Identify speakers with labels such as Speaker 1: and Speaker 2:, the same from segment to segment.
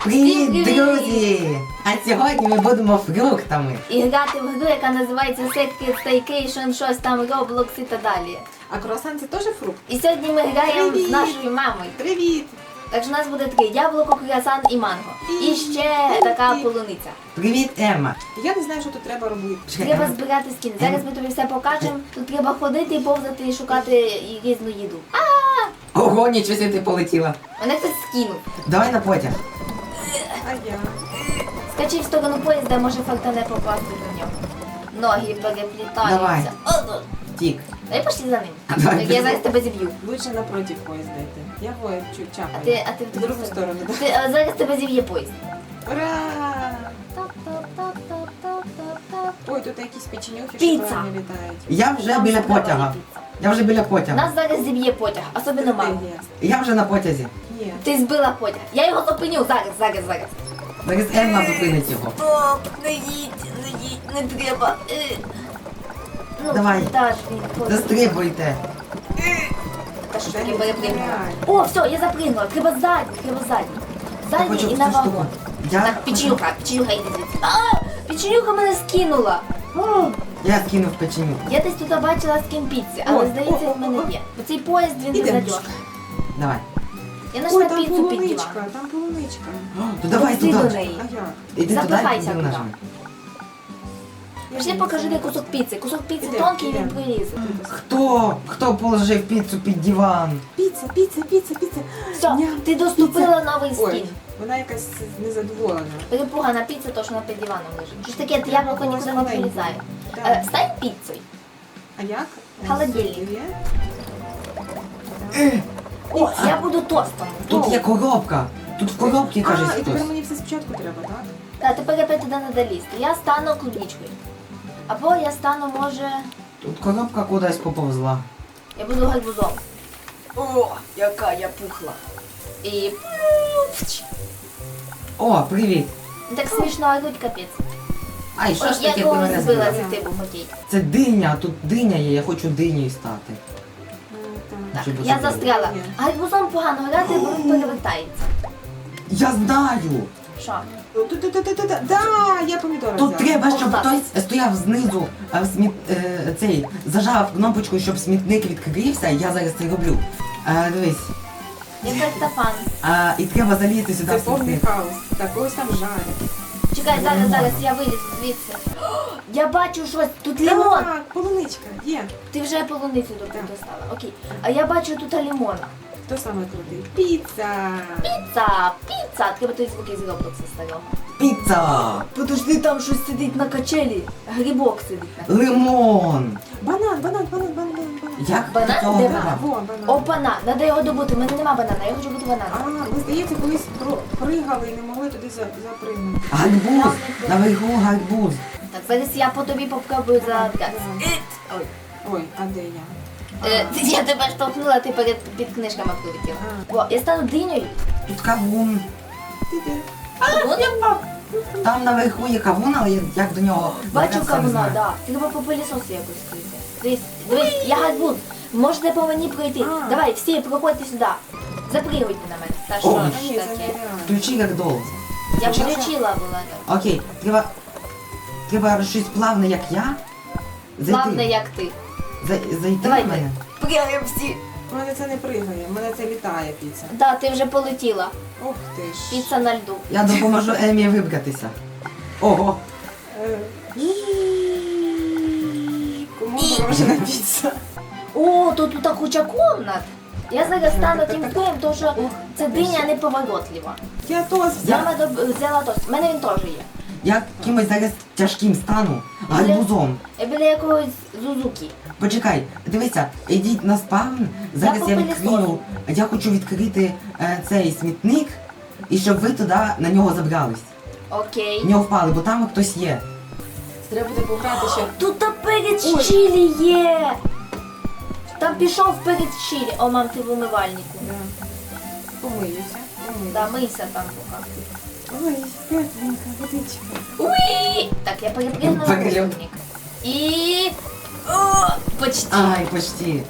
Speaker 1: Привіт, друзі! А сьогодні ми будемо фруктами.
Speaker 2: І грати в гру, яка називається Secret Staycation, щось там, Roblox і так далі.
Speaker 3: А круасан це теж фрукт?
Speaker 2: І сьогодні ми граємо
Speaker 3: Привіт!
Speaker 2: з нашою мамою.
Speaker 3: Привіт!
Speaker 2: Так що у нас буде таке яблуко, круасан і манго. І ще така полуниця.
Speaker 1: Привіт, Емма.
Speaker 3: Я не знаю, що тут треба робити.
Speaker 1: Чекай,
Speaker 2: Треба
Speaker 1: Емма.
Speaker 2: збирати скіни. Зараз ми тобі все покажемо. Тут треба ходити і повзати і шукати і різну їду.
Speaker 1: Ого, нічого собі ти полетіла.
Speaker 2: Мене хтось скинув.
Speaker 1: Давай на потяг.
Speaker 3: А я?
Speaker 2: Скачи в сторону поїзда, може фортане попасти до нього. Ноги переплітаються.
Speaker 1: Давай.
Speaker 2: Ого.
Speaker 1: Тік.
Speaker 2: Дай пошли за ним.
Speaker 1: Давай,
Speaker 2: Так, я
Speaker 1: пішли.
Speaker 2: зараз тебе зіб'ю.
Speaker 3: Лучше напротив поїзда йти. Я воє чуть
Speaker 2: А
Speaker 3: чапаю.
Speaker 2: ти
Speaker 3: в другу сторону, да?
Speaker 2: А зараз тебе зіб'є поїзд.
Speaker 3: Ура!
Speaker 2: Тап-тап-тап-тап-тап-тап.
Speaker 3: Ой, тут якісь печенюхи,
Speaker 2: Піца.
Speaker 3: що правильно літають.
Speaker 1: Я вже
Speaker 2: Там
Speaker 1: біля
Speaker 2: все треба
Speaker 1: потяга.
Speaker 2: ліпити.
Speaker 1: Я вже біля потяга.
Speaker 2: Нас зараз зіб'є потяг, особливо маму.
Speaker 3: Є.
Speaker 1: Я вже на потязі.
Speaker 3: Ні.
Speaker 2: Ти збила потяг. Я його зупиню зараз.
Speaker 1: Зараз Емма зупинить його.
Speaker 2: Стоп, не їдь, не треба. Ну,
Speaker 1: Давай.
Speaker 2: Та ж він потяг.
Speaker 1: Застрибуйте.
Speaker 2: Та що ж
Speaker 3: Дай
Speaker 2: таке
Speaker 3: мені
Speaker 2: перепригнула?
Speaker 3: збирай.
Speaker 2: О, все, я запригнула. Треба задній.
Speaker 1: Я
Speaker 2: Задній
Speaker 1: хочу
Speaker 2: і на
Speaker 1: цю штуку.
Speaker 2: вагон.
Speaker 1: Я
Speaker 2: Так, печенюха йди звідси. Печенюха мене скинула.
Speaker 1: Я скинув печеню.
Speaker 2: Я десь тут бачила скін піці, але
Speaker 3: Ой,
Speaker 2: здається,
Speaker 3: о,
Speaker 2: в мене
Speaker 3: о, о.
Speaker 2: є. Бо цей поїзд він
Speaker 3: Ідемо.
Speaker 2: безнадіжний.
Speaker 1: Давай.
Speaker 2: Я
Speaker 3: Ой,
Speaker 2: знайшла
Speaker 3: там
Speaker 2: піцу під
Speaker 3: полуничка,
Speaker 2: диван.
Speaker 3: там полуничка.
Speaker 1: То давай
Speaker 2: Повзи до
Speaker 1: туди.
Speaker 2: неї.
Speaker 3: А як?
Speaker 1: Іди туди і
Speaker 2: Запихайся
Speaker 1: туди
Speaker 2: туди.
Speaker 1: нажми.
Speaker 2: Пішли покажи, де кусок піци. Кусок піци
Speaker 3: Ідемо,
Speaker 2: тонкий, він
Speaker 3: ідемо.
Speaker 2: прилізе.
Speaker 1: Хто положив піцу під диван?
Speaker 3: Піца.
Speaker 2: Все,
Speaker 3: Ням,
Speaker 2: ти доступила новий
Speaker 3: Ой,
Speaker 2: скін.
Speaker 3: вона якась незадоволена.
Speaker 2: Перепугана піца, то що вона під диваном лежить. Що ж таке, яблуко нікуди не прилізає.
Speaker 3: Так.
Speaker 2: Стань піцею.
Speaker 3: А як?
Speaker 2: Холодильник.
Speaker 3: Є?
Speaker 2: О, я буду тостом.
Speaker 1: Тут є коробка. Тут в коробці, каже
Speaker 3: А, і тепер
Speaker 1: хтось.
Speaker 3: мені все спочатку треба, так?
Speaker 2: Та тепер опять туди треба лізти. Я стану клубничкою. Або я стану, може,
Speaker 1: Тут коробка кудись поповзла.
Speaker 2: я буду гарбузом. О, яка я пухла. І...
Speaker 1: О, привіт.
Speaker 2: Так смішно, а тут капець.
Speaker 1: Ай, що
Speaker 2: Ой,
Speaker 1: ж
Speaker 2: я
Speaker 1: таке ти
Speaker 2: когось
Speaker 1: мене
Speaker 2: збила
Speaker 1: збила?
Speaker 2: зі типу хотіть.
Speaker 1: Це диня, тут диня є, я хочу динею стати.
Speaker 2: Так,
Speaker 1: Щоб
Speaker 2: я
Speaker 1: забути.
Speaker 2: застряла.
Speaker 3: Ні.
Speaker 2: Гарбузом погано грати, бо він перевертається.
Speaker 1: Я знаю!
Speaker 2: Що?
Speaker 3: Да, я помідори
Speaker 1: Тут
Speaker 3: взяла.
Speaker 1: треба, щоб
Speaker 2: Отак.
Speaker 1: хтось стояв знизу, цей, зажав кнопочку, щоб смітник відкрився, я зараз це роблю. Дивись.
Speaker 2: Я картофан.
Speaker 1: І треба залізти сюди
Speaker 3: Це
Speaker 1: в
Speaker 3: повний
Speaker 1: смітник.
Speaker 3: хаос. Так, ось там жарить.
Speaker 2: Чекай, зараз я вилізу звідси. О, я бачу щось, тут лимон.
Speaker 3: Так, полуничка, є.
Speaker 2: Ти вже полуницю
Speaker 3: Так.
Speaker 2: достала, окей. А я бачу тут лимон.
Speaker 3: Хто саме крутий? Піца.
Speaker 2: Піца. Треба той звук із Роблокса старого.
Speaker 1: Піца!
Speaker 2: Подожди, там щось сидить на качелі. Грибок сидить на
Speaker 1: Лимон!
Speaker 3: Банан.
Speaker 1: Як
Speaker 2: Банан?
Speaker 1: до цього
Speaker 2: Де
Speaker 1: треба?
Speaker 3: Во, банан.
Speaker 2: О, банан. Надо його добути. У мене нема банана, я хочу бути бананом.
Speaker 3: Ми, здається, колись пригали і не могли туди запригнути.
Speaker 1: Гарбуз! Наверху гарбуз.
Speaker 2: Так, зараз я по тобі попробую забрати. Ой.
Speaker 3: Ой, а де я?
Speaker 2: Я тебе штовхнула, ти під книжками прилетіла. О, я стану динею.
Speaker 1: Тут кавун.
Speaker 3: Ти.
Speaker 1: Там наверху є кавун, але як до нього
Speaker 2: Бачу
Speaker 1: добратися, не
Speaker 2: кавуна,
Speaker 1: знаю.
Speaker 2: да. Треба по пилісосу якось прийти. Дивись, я гарбуз. Можете по мені пройти.
Speaker 3: А.
Speaker 2: Давай, всі, проходьте сюди. Запригуйте на мене. Та
Speaker 1: О,
Speaker 2: що
Speaker 3: А
Speaker 2: ж
Speaker 3: ні, це
Speaker 2: таке?
Speaker 3: нереально.
Speaker 1: Включи як долг.
Speaker 2: Я включила була.
Speaker 1: Окей, треба щось плавне, як я.
Speaker 2: Главне, як ти.
Speaker 1: Зайти
Speaker 2: Давай
Speaker 1: в мене.
Speaker 2: Пригаємо всі.
Speaker 3: У мене це не пригає, у мене це літає піца.
Speaker 2: Да, ти вже полетіла.
Speaker 3: Ох ти ж.
Speaker 2: Піца на льду.
Speaker 1: Я допоможу Емі вибратися. Ого,
Speaker 3: Е, Кому морожена піца?
Speaker 2: О, тут так куча комнат. Я зараз стану тим впливом, тому що це диня неповоротлива.
Speaker 3: Я тост
Speaker 2: Я
Speaker 3: взяла.
Speaker 2: взяла тост. У мене він теж є.
Speaker 1: я кимось зараз тяжким стану, гарбузом.
Speaker 2: Я біля якогось Зузуки.
Speaker 1: Почекай, дивися, ідіть на спавн, зараз я
Speaker 2: попилісосу.
Speaker 1: відкрию, я хочу відкрити цей смітник, і щоб ви туди на нього забрались.
Speaker 2: Окей.
Speaker 1: В нього впали, бо там хтось є.
Speaker 3: Треба буде пограти ще.
Speaker 2: Тут та перець
Speaker 3: Ой.
Speaker 2: чилі є. Там пішов перець чилі. О, мам, ти в умивальнику.
Speaker 3: Да. Помиюся.
Speaker 2: Да, мийся там поки.
Speaker 3: Ой, тепленька водичка.
Speaker 2: Уй! Так, я перепрыгнула
Speaker 1: Перелет.
Speaker 2: мусорник. І... О, почти.
Speaker 1: Ай, почти.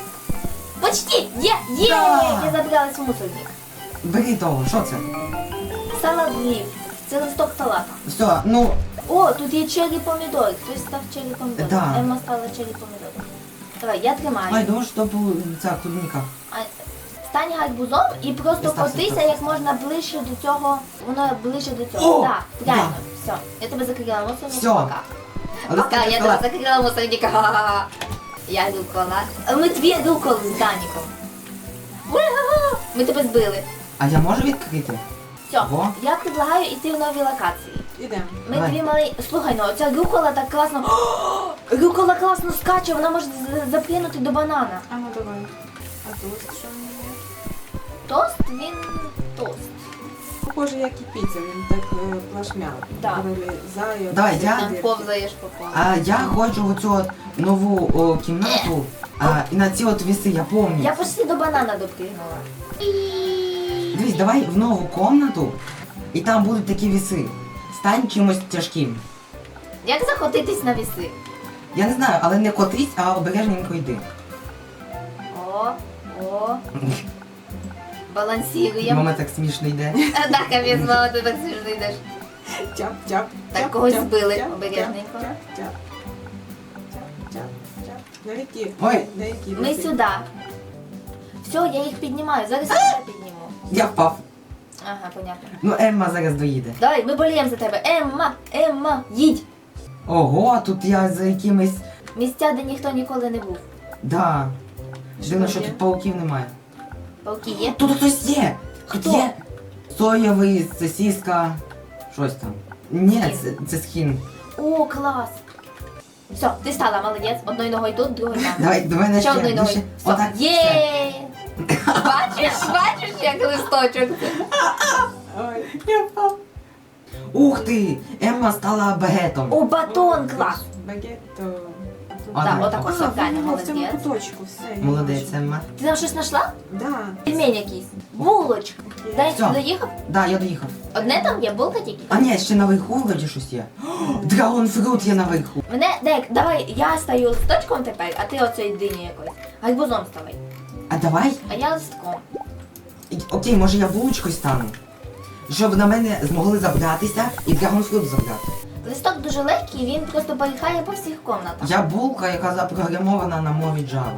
Speaker 2: Почти! Є! Є!
Speaker 1: Да.
Speaker 2: Я забралась в мусорник.
Speaker 1: Бери того, що це?
Speaker 2: Салат лів. Це листок салата.
Speaker 1: Все, ну,
Speaker 2: О, тут є черрі помідори. Хтось став черрі помідори.
Speaker 1: Да.
Speaker 2: Емма стала черрі помідори. Давай, я тримаю.
Speaker 1: ай, думаю, що ця клубніка.
Speaker 2: А, стань гарбузом і просто
Speaker 1: Стався,
Speaker 2: котися
Speaker 1: стався.
Speaker 2: як можна ближче до цього. Воно ближче до цього.
Speaker 1: О,
Speaker 2: Так, правильно. Все. Я тебе закрила мусорник.
Speaker 1: Всьо.
Speaker 2: Пока.
Speaker 1: Але
Speaker 2: Пока, я тебе закрила мусорника. Ха-ха-ха. Я рукола. Ми дві руколи з Даніком. Ура! Ми тебе збили.
Speaker 1: А я можу відкрити?
Speaker 2: Все,
Speaker 1: Во.
Speaker 2: я предлагаю йти в нові локації.
Speaker 3: Ідемо.
Speaker 2: Ми
Speaker 1: Давай.
Speaker 2: дві мали. Слухай, ну оця рукола так класно. Рукола класно скаче, вона може запринути до банана.
Speaker 3: А ну давай. А тост що в мене є?
Speaker 2: Тост, він тост.
Speaker 3: Похоже, як і піца, він так плашмяв.
Speaker 2: Да.
Speaker 3: Вилізає.
Speaker 1: Давай, я-
Speaker 2: Там повзаєш по полу.
Speaker 1: А я хочу в оцю от нову кімнату, і на ці от віси, я пам'ятаю.
Speaker 2: Я почти до банана допригнула.
Speaker 1: Дивись, давай в нову комнату, і там будуть такі віси. Стань чимось тяжким.
Speaker 2: Як захотитись на віси?
Speaker 1: Я не знаю, але не котись, а обережненько йди.
Speaker 2: О. Балансіруємо.
Speaker 1: Мама так смішно йде.
Speaker 2: Так, капець, мама, ти так смішно йдеш.
Speaker 3: Тяп-тяп.
Speaker 2: Так, когось збили обережненько.
Speaker 3: На які?
Speaker 1: Ой.
Speaker 3: На які?
Speaker 2: Ми сюди. Все, я їх піднімаю. Зараз я тебе підніму.
Speaker 1: Я впав.
Speaker 2: Ага, понятно.
Speaker 1: Ну, Емма зараз доїде.
Speaker 2: Давай, ми боліємо за тебе. Емма, їдь.
Speaker 1: Ого, тут я за якимись.
Speaker 2: Місця, де ніхто ніколи не був.
Speaker 1: Да. Дивно, що
Speaker 3: є?
Speaker 1: тут пауків немає.
Speaker 2: Пауки є?
Speaker 1: Тут хтось є!
Speaker 2: Хто?
Speaker 1: Є! Соєвий, сосиска. Щось там. Ні,
Speaker 2: Схін.
Speaker 1: це схін.
Speaker 2: О, клас. Все, ти стала, молодець. Одною ногою тут, другою там.
Speaker 1: Давай, до мене
Speaker 2: Ще
Speaker 1: ще.
Speaker 2: одною
Speaker 1: ну,
Speaker 2: ногою.
Speaker 1: ще.
Speaker 2: Все.
Speaker 1: Отак. все.
Speaker 2: Є! Бачиш, як листочок.
Speaker 3: Ой.
Speaker 1: Я впав. Ух ти! Емма стала багетом.
Speaker 2: О, батон, клас.
Speaker 3: Багетто.
Speaker 1: А,
Speaker 2: Так,
Speaker 1: давай.
Speaker 2: отако,
Speaker 3: А,
Speaker 2: все, правильно,
Speaker 3: воно в цьому
Speaker 2: молодець.
Speaker 3: куточку, все. я
Speaker 1: Молодець,
Speaker 3: бачу.
Speaker 1: Емма.
Speaker 2: Ти там щось знайшла?
Speaker 3: Да.
Speaker 2: Пельмень якийсь. Булочка. Дай
Speaker 1: Все.
Speaker 2: ти доїхав?
Speaker 1: Да, я доїхав.
Speaker 2: Одне там є, булка тільки.
Speaker 1: А ні, ще наверху вроді щось є. Драгонфрут є наверху.
Speaker 2: Мене, Дек, давай, я стаю листочком тепер, а ти оцею дині якось. Гарбузом ставай.
Speaker 1: А давай.
Speaker 2: А я листком.
Speaker 1: Окей, може я булочкою стану. Щоб на мене змогли забратися і драгонфрут забрати.
Speaker 2: Листок дуже легкий, він просто порихає по всіх комнатах.
Speaker 1: Я булка, яка запрограмована на мові Java.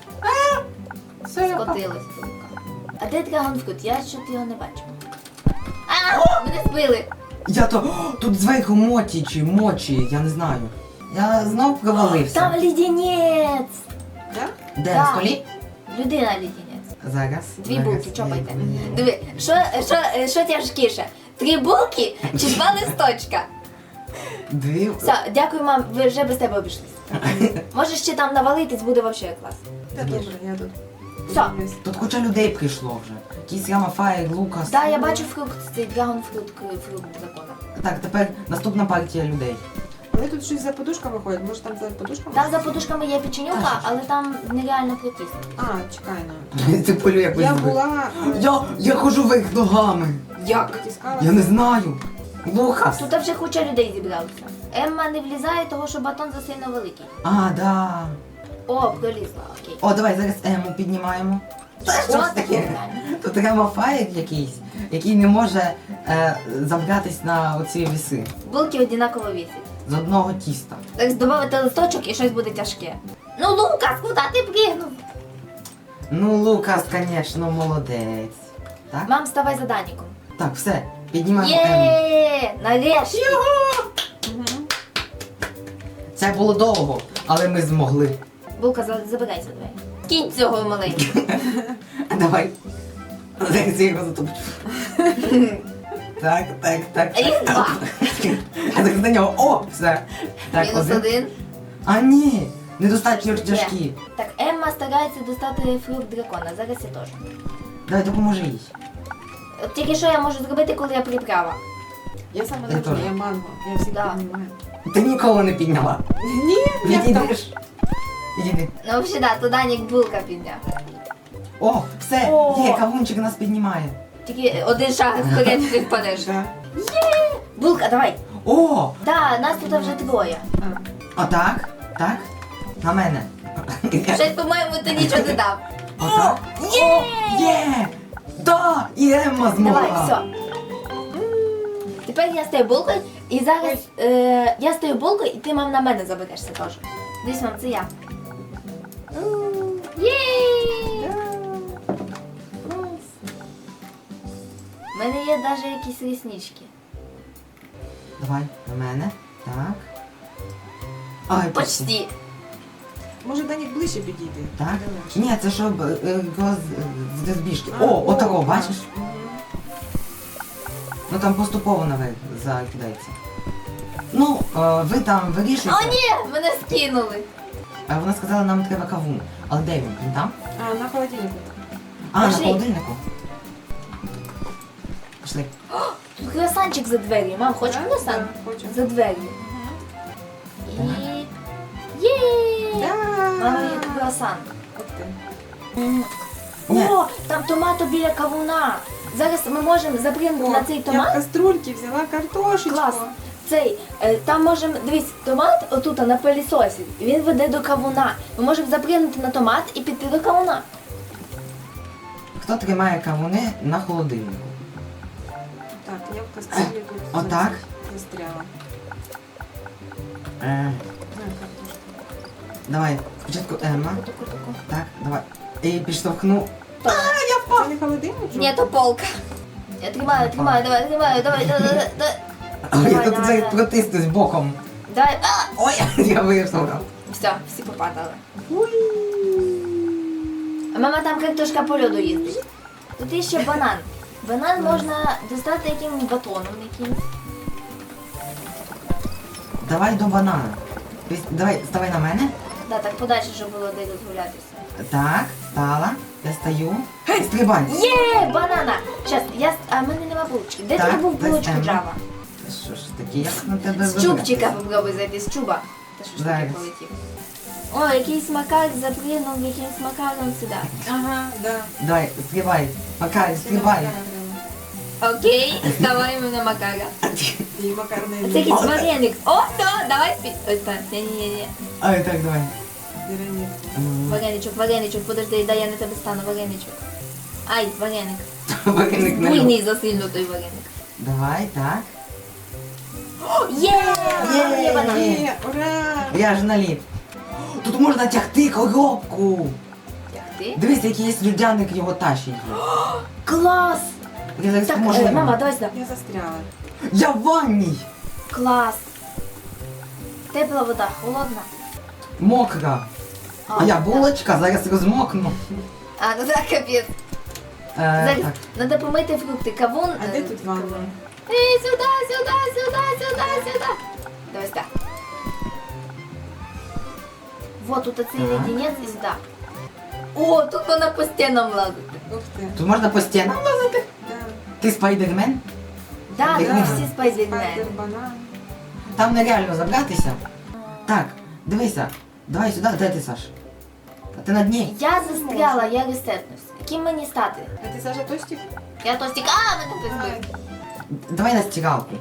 Speaker 3: Все, я впав.
Speaker 2: Скотилась булка. А де драгонфрут? Я що його не бачу. А, мене збили.
Speaker 1: Я то. Тут зверху моті чи мочі, я не знаю. Я знов провалився.
Speaker 2: Там лідінець.
Speaker 3: Да?
Speaker 1: Де
Speaker 2: Да.
Speaker 1: на столі?
Speaker 2: Людина лідінець.
Speaker 1: Зараз.
Speaker 2: Дві
Speaker 1: зараз.
Speaker 2: булки, чопайте. Диви, що тяжкіше? 3 булки чи 2 листочка?
Speaker 1: Дві.
Speaker 2: Все, дякую, мам, ви вже без тебе обійшлися. Можеш ще там навалитись, буде взагалі клас.
Speaker 3: Та добре, я тут.
Speaker 2: Все.
Speaker 3: подивлюсь.
Speaker 1: Тут куча людей прийшло вже. Якийсь Рамафай, Лукас.
Speaker 2: Так, я бачу фрукт, цей драгонфрут, фрукт дракона.
Speaker 1: Так, тепер наступна партія людей.
Speaker 3: Але тут щось за подушками ходять, може там за подушками?
Speaker 2: Там за подушками є печенюка, але там нереально притиснути.
Speaker 3: А, чекай, ну.
Speaker 1: Ти полю якось
Speaker 3: Я
Speaker 1: збив.
Speaker 3: була...
Speaker 1: Я хожу вверх ногами.
Speaker 2: Як?
Speaker 3: Притискалася.
Speaker 1: Я не знаю. Лукас.
Speaker 2: Тут вже куча людей зібралося. Емма не влізає, того що батон засильно великий.
Speaker 1: А, да.
Speaker 2: О, пролізла, окей.
Speaker 1: О, давай зараз Ему піднімаємо. Та що ж
Speaker 2: От,
Speaker 1: таке?
Speaker 2: нормально.
Speaker 1: Тут Рамафай якийсь, який не може забратись на оці віси.
Speaker 2: Булки однаково вісять.
Speaker 1: З одного тіста.
Speaker 2: Так додати листочок і щось буде тяжке. Ну, Лукас, куди ти пригнув?
Speaker 1: Ну, Лукас, звісно, молодець. Так?
Speaker 2: Мам, ставай за Даніком.
Speaker 1: Так, все, піднімаємо Ему.
Speaker 2: Є, нарешті.
Speaker 3: Мгм.
Speaker 1: Це було довго, але ми змогли.
Speaker 2: Булка, забирайся, давай. Кінь цього маленького.
Speaker 1: Давай. Зараз я його затопчу. Так.
Speaker 2: А їх 2.
Speaker 1: А так за нього. О, все. Так,
Speaker 2: Мінус 1.
Speaker 1: А ні, недостатньо тяжкі.
Speaker 2: Так, Емма старається достати фрукт дракона. Зараз я теж.
Speaker 1: Давай, допоможи їй.
Speaker 2: От тільки що я можу зробити, коли я приправа?
Speaker 3: Я саме
Speaker 1: Я
Speaker 3: не
Speaker 1: теж.
Speaker 3: я манго. Я всіх
Speaker 2: Да.
Speaker 3: піднімаю.
Speaker 1: Ти ніколи не підняла.
Speaker 3: Ні, я там.
Speaker 1: Відійдеш. Відійди.
Speaker 2: Ну, взагалі, да, то Данік булка підняв.
Speaker 1: О, все,
Speaker 2: О.
Speaker 1: є, кавунчик нас піднімає.
Speaker 2: Тільки один шаг вперед ти впадеш.
Speaker 3: Да.
Speaker 2: Булка, давай.
Speaker 1: О,
Speaker 2: Да, нас тут вже 2.
Speaker 3: А.
Speaker 1: отак, так, на мене.
Speaker 2: Щось, по-моєму, ти нічого не дав.
Speaker 1: Отак.
Speaker 2: Є!
Speaker 1: Є! Да, і Емма змогла.
Speaker 2: Давай, все. тепер я стаю булкою, і зараз я стаю булкою, і ти, мам, на мене заберешся теж. Дивись, мам, це я. Єй! У мене є навіть якісь реснички.
Speaker 1: Давай, на мене. Так. Ай,
Speaker 2: Почти.
Speaker 3: Може, Данік ближче підійти?
Speaker 1: Так?
Speaker 3: Де легше?
Speaker 1: Ні, це щоб його з збіжки. О, отако, бачиш?
Speaker 3: Мгм.
Speaker 1: Ну там поступово наверх закидається. Ну, ви там вирішуєте.
Speaker 2: О, ні! Мене скинули.
Speaker 1: Вона сказала, нам треба кавун. Але де він? Він там?
Speaker 3: А, на холодильнику.
Speaker 1: А, на
Speaker 2: Пошли.
Speaker 1: холодильнику. Пішли.
Speaker 2: Тут круасанчик за дверью. Мам, хочеш
Speaker 3: Да?
Speaker 2: круасан?
Speaker 3: Да, хочу.
Speaker 2: За дверью. І... Єй! Мама, є круасан.
Speaker 3: Ух ти.
Speaker 1: Ні.
Speaker 2: О, там томато біля кавуна. Зараз ми можемо запрямити на цей
Speaker 3: Я в
Speaker 2: томат.
Speaker 3: каструльки взяла картошечку.
Speaker 2: Клас. Цей, там можемо, дивись, томат отут на пилісосі, він веде до кавуна. Ми можемо запрямити на томат і піти до кавуна.
Speaker 1: Хто тримає кавуни на холодильнику?
Speaker 3: Так, я в каструлі тут
Speaker 1: Отак?
Speaker 3: застряла.
Speaker 1: Е,
Speaker 3: На, картошку.
Speaker 1: давай, спочатку Емма.
Speaker 2: Таку-таку.
Speaker 1: Так, давай. І підштовхну.
Speaker 3: Це не холодильник?
Speaker 2: Ні, то полка. Я тримаю, давай.
Speaker 1: А я тут
Speaker 2: давай,
Speaker 1: зараз
Speaker 2: давай.
Speaker 1: протиснусь боком.
Speaker 2: Давай,
Speaker 1: Ой, я виштовхав.
Speaker 2: все, всі попадали. А мама там картошка по льоду їздить. Тут є ще банан. Банан можна достати якимось батоном якимось.
Speaker 1: Давай до банана. Давай, ставай на мене.
Speaker 2: Да, так подальше, щоб було де розгулятися.
Speaker 1: Так, стала. Я стою. Стрибай.
Speaker 2: Є, банана! Щас, а в мене нема булочки. Де
Speaker 1: Так,
Speaker 2: ти був
Speaker 1: десь
Speaker 2: булочку
Speaker 1: Емма.
Speaker 2: Джава?
Speaker 1: Та що ж таке, як на тебе
Speaker 2: З
Speaker 1: вибрати?
Speaker 2: чубчика попробуй зайти, з чуба. Та що ж таке
Speaker 1: Зараз.
Speaker 2: полетів? О, якийсь макар запригнув якимсь макаром сюди.
Speaker 3: Ага, да.
Speaker 1: Давай, стрибай. Макар, стрибай.
Speaker 2: Окей, ставаємо на макара.
Speaker 3: І макарний
Speaker 2: Це якийсь вареник. О, то, давай спі... Ой, так, ні.
Speaker 1: Ай, так, давай.
Speaker 3: дерев'яний.
Speaker 2: Вареничок, подожди, дай я на тебе стану, вареничок. Ай, вареник.
Speaker 1: Вареник на
Speaker 2: Буйний засильно той вареник.
Speaker 1: Давай, так.
Speaker 2: Є! Є банан.
Speaker 3: Є, ура!
Speaker 1: Я ж наліп. Тут можна тягти коробку.
Speaker 2: Ти?
Speaker 1: Дивись, який є людяник його тащить.
Speaker 2: Клас!
Speaker 1: Я зараз
Speaker 2: Так,
Speaker 1: поможу. йому.
Speaker 2: мама, давай сюди.
Speaker 3: Я застряла.
Speaker 1: Я в ванній.
Speaker 2: Клас. Тепла вода, холодна.
Speaker 1: Мокра. А я булочка, зараз розмокну.
Speaker 2: А, ну так, капець. Зараз
Speaker 1: Так.
Speaker 2: треба помити фрукти. Кавун.
Speaker 3: А де тут ванна?
Speaker 2: Ей, сюди. Давай сюди. Вот тут оцей
Speaker 1: Так.
Speaker 2: леденець і сюди. О, тут вона по стінам лазить.
Speaker 3: Ух ти.
Speaker 1: Тут можна по стінам лазити.
Speaker 3: Да.
Speaker 1: Ти спайдермен?
Speaker 2: Да,
Speaker 1: Як
Speaker 2: ми
Speaker 1: ми-
Speaker 2: всі спайдермени.
Speaker 3: Спайдер, банан.
Speaker 1: Там нереально забратися. Так, дивися. Давай сюди, де ти, Саш? А ти на дні.
Speaker 2: Я застряла, я ресетнусь. Яким мені стати?
Speaker 3: А ти Саша Тостік?
Speaker 2: Я тостик. А, мене хтось збив.
Speaker 1: Давай на стиралку.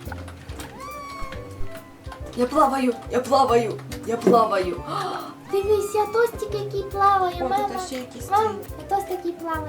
Speaker 2: Я плаваю. Дивись, я тостик, який плаває,
Speaker 3: О,
Speaker 2: мама.
Speaker 3: тут ще якісь
Speaker 2: Мам,
Speaker 3: ці.
Speaker 2: я тостик, який плаває.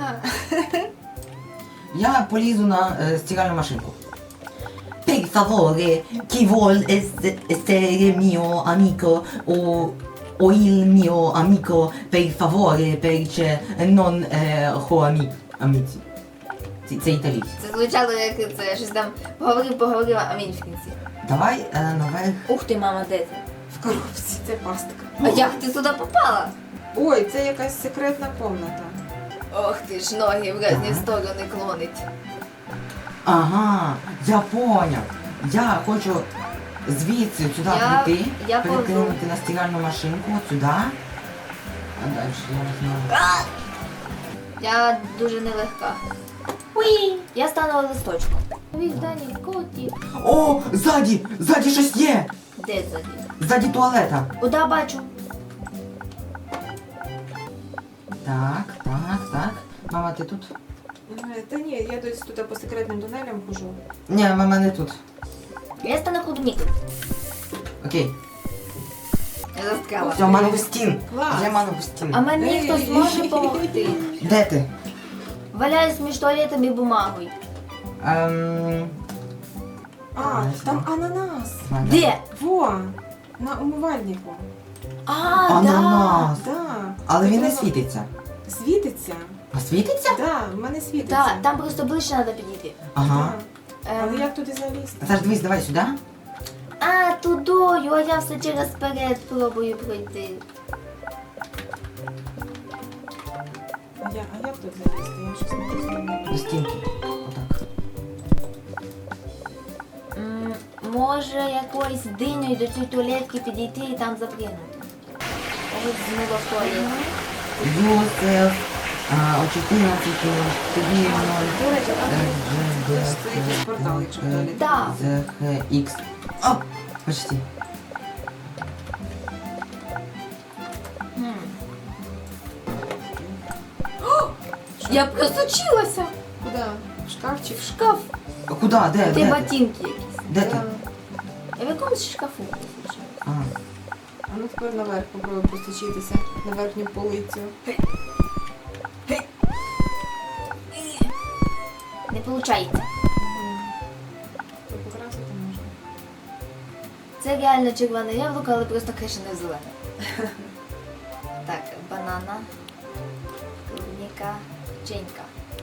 Speaker 1: Я полізу на стиральну машинку. Per favore, chi vuol essere mio amico o il mio amico, per favore, perché non ho amici. Це італійське.
Speaker 2: Це звучало як це, щось там поговорив, а він в кінці.
Speaker 1: Давай наверх.
Speaker 2: Ух ти, мама, де ти?
Speaker 3: В коробці. Це пастка.
Speaker 2: А як ти туди попала?
Speaker 3: Ой, це якась секретна комната.
Speaker 2: Ох ти ж, ноги в різні сторони клонить.
Speaker 1: Ага, я поняв. Я хочу звідси сюди прийти,
Speaker 2: я
Speaker 1: перекинути на стиральну машинку, от сюди. А далі я не знаю.
Speaker 2: Я дуже нелегка. Уї! Я стану листочком. Вівдані, коті.
Speaker 1: О, ззаді щось є!
Speaker 2: Де ззаді?
Speaker 1: Ззаді туалета.
Speaker 2: Куда бачу?
Speaker 1: Так. Мама, ти тут?
Speaker 3: Та ні, я десь тут по секретним тунелям хожу.
Speaker 1: Ні, мама не тут.
Speaker 2: Я стану клубникою.
Speaker 1: Окей.
Speaker 2: Я застряла.
Speaker 1: Все, манову стін.
Speaker 3: Клас.
Speaker 1: Вже манову стін.
Speaker 2: А мені хтось може допомогти.
Speaker 1: Де ти?
Speaker 2: Валяюсь між туалетом і бумагою.
Speaker 3: А, там ананас.
Speaker 2: Де?
Speaker 3: Во, на умивальнику.
Speaker 2: А,
Speaker 1: Ананас.
Speaker 3: Да.
Speaker 1: Але він не
Speaker 3: Треба-
Speaker 1: світиться.
Speaker 3: Світиться?
Speaker 1: А світиться?
Speaker 3: Да, в мене
Speaker 2: да.
Speaker 3: світиться.
Speaker 2: Да, там просто ближче треба підійти.
Speaker 1: Ага.
Speaker 3: Да. Але як туди залізти?
Speaker 1: Саш, дивись, давай сюди.
Speaker 2: А, тудою, а я все через перед пробую пройти.
Speaker 3: А як тут залізти? Я щось не розумію.
Speaker 1: До стінки. Отак.
Speaker 2: Може якоюсь динею до цієї туалетки підійти і там запригнути. Ось змило в туалет.
Speaker 1: Йосиф. О 14 тобі 0.
Speaker 3: До речі, це якийсь портал, якщо в туалеті.
Speaker 2: Да.
Speaker 1: ZHX. О, почти.
Speaker 2: Я просочилася
Speaker 3: Куди? В шкафчик?
Speaker 2: в шкаф.
Speaker 1: А куди? Де?
Speaker 2: Де
Speaker 1: Де?
Speaker 2: ботинки якісь.
Speaker 1: Де ти?
Speaker 2: Я в якомусь шкафу просочилася.
Speaker 1: А.
Speaker 3: А ну тепер наверх попробуй простучитися. На верхню полицю.
Speaker 2: Не виходить.
Speaker 3: То покрасити можна.
Speaker 2: Це реально червоне яблуко, але просто криша не зелене. Так, банана, клубніка, печенька.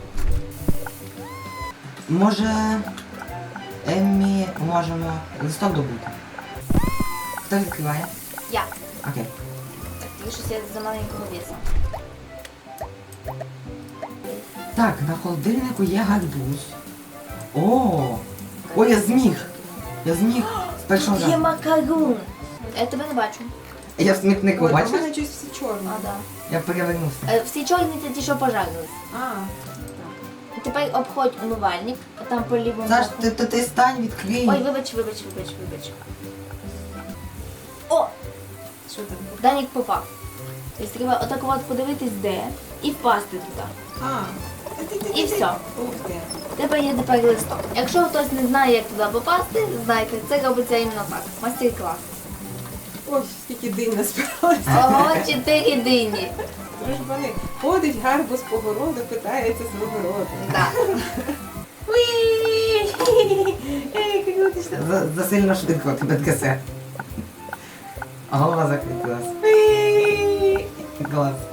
Speaker 1: Може, Еммі можемо листок добути? Хто відкриває?
Speaker 2: Я.
Speaker 1: Окей.
Speaker 2: Так, ти щось я за маленького весу.
Speaker 1: Так, на холодильнику є гарбуз. О, я зміг. Я зміг з першого
Speaker 2: Тут є
Speaker 1: разу.
Speaker 2: макарун. Я тебе не бачу.
Speaker 1: Я в смітнику,
Speaker 3: Ой, а в
Speaker 1: бачиш?
Speaker 3: мене щось все чорне.
Speaker 2: А, да.
Speaker 1: Я перевернувся.
Speaker 2: Всі чорні це ті, що пожарились.
Speaker 3: А, так.
Speaker 2: Тепер обходь умивальник, а там по лівому
Speaker 1: Саш,
Speaker 2: боку.
Speaker 1: ти стань, відкрий.
Speaker 2: Ой, вибач. О,
Speaker 3: Що там?
Speaker 2: Данік попав. Тобто треба отак от подивитись де і впасти туди.
Speaker 3: А.
Speaker 2: І все.
Speaker 3: Ух ти.
Speaker 2: В тебе є тепер листок. Якщо хтось не знає, як туди попасти, знайте, це робиться іменно так. Мастер-клас.
Speaker 3: Ой, скільки динь насправді.
Speaker 2: Ого, 4 дині.
Speaker 3: Дружбани. Ходить гарбуз по городу, питається свого роду.
Speaker 2: Да.
Speaker 1: Засильно швидко тебе трясе. А голова закрутилась. Глаз.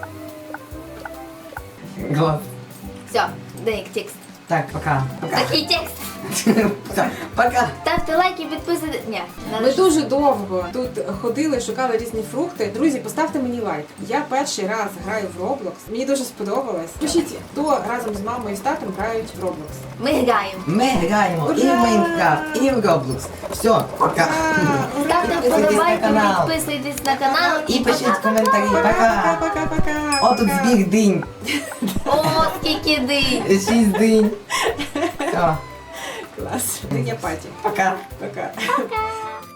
Speaker 1: Глаз.
Speaker 2: Все, Данік, текст.
Speaker 1: Так, пока. Пока.
Speaker 2: Такий текст.
Speaker 1: Все, пока.
Speaker 2: Ставте лайки, підписуйтесь. Ні, не
Speaker 3: Ми дуже довго тут ходили, шукали різні фрукти. Друзі, поставте мені лайк. Я перший раз граю в Roblox. Мені дуже сподобалось. Пишіть, хто разом з мамою і з татом грають в Roblox.
Speaker 2: Ми граємо.
Speaker 1: Ми граємо і в
Speaker 3: Ура!
Speaker 1: Майнкрафт, і в Roblox. Все, пока.
Speaker 2: Ставте
Speaker 1: Підписуйтесь на
Speaker 2: вподобайки,
Speaker 1: канал.
Speaker 2: підписуйтесь на канал
Speaker 1: І пишіть коментарі. Пока.
Speaker 3: Пока-пока.
Speaker 1: О, тут збіг динь.
Speaker 2: О, скільки динь.
Speaker 1: 6 динь. Все,
Speaker 3: Клас. Диня паті.
Speaker 1: пока.
Speaker 3: Пока.
Speaker 2: Пока.